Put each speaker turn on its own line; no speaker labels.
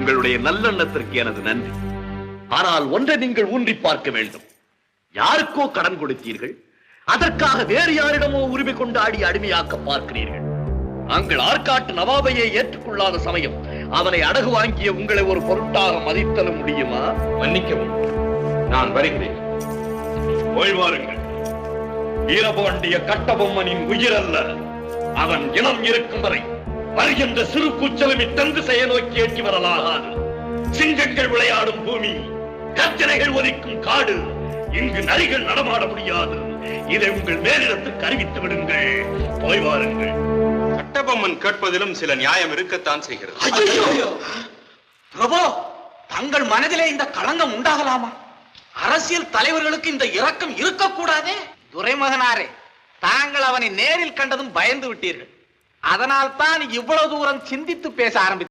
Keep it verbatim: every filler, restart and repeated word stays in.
உங்களுடைய நல்லெண்ணத்திற்கு எனது நன்றி. ஆனால் ஒன்றை நீங்கள் ஊன்றி பார்க்க வேண்டும். யாருக்கோ கடன் கொடுத்தீர்கள், அதற்காக வேறு யாரிடமோ உரிமை கொண்டாடி அடிமையாக்க பார்க்கிறீர்கள். நாங்கள் ஆற்காட்டு நவாபையை ஏற்றுக்கொள்ளாத சமயம் அவனை அடகு வாங்கிய உங்களை ஒரு பொருட்டாக மதித்தல முடியுமா?
மன்னிக்கவும், நான் வருகிறேன்.
ஓய்வாருங்கள். வீரபாண்டிய கட்டபொம்மனின் உயிர் அல்ல, அவன் இனம் இருக்கும் வரை வருகின்ற சிறு கூச்சலுமி தந்து செய்ய நோக்கி ஏற்றி வரலாகாது. சிங்கங்கள் விளையாடும் பூமி, கர்ஜனைகள் ஒலிக்கும் காடு, இங்கு நரிகள் நடமாட முடியாது. இதை உங்கள் மேலிடத்துக்கு அறிவித்து விடுங்கள். போய் வாருங்கள்.
கட்டபொம்மன் கேட்பதிலும் சில நியாயம் இருக்கத்தான் செய்கிறது.
பிரபு, தங்கள் மனதிலே இந்த களங்கம் உண்டாகலாமா? அரசியல் தலைவர்களுக்கு இந்த இரக்கம் இருக்கக்கூடாதே. துரைமகனாரே, தாங்கள் அவனை நேரில் கண்டதும் பயந்து விட்டீர்கள். அதனால் தான் இவ்வளவு தூரம் சிந்தித்து பேச ஆரம்பித்தார்.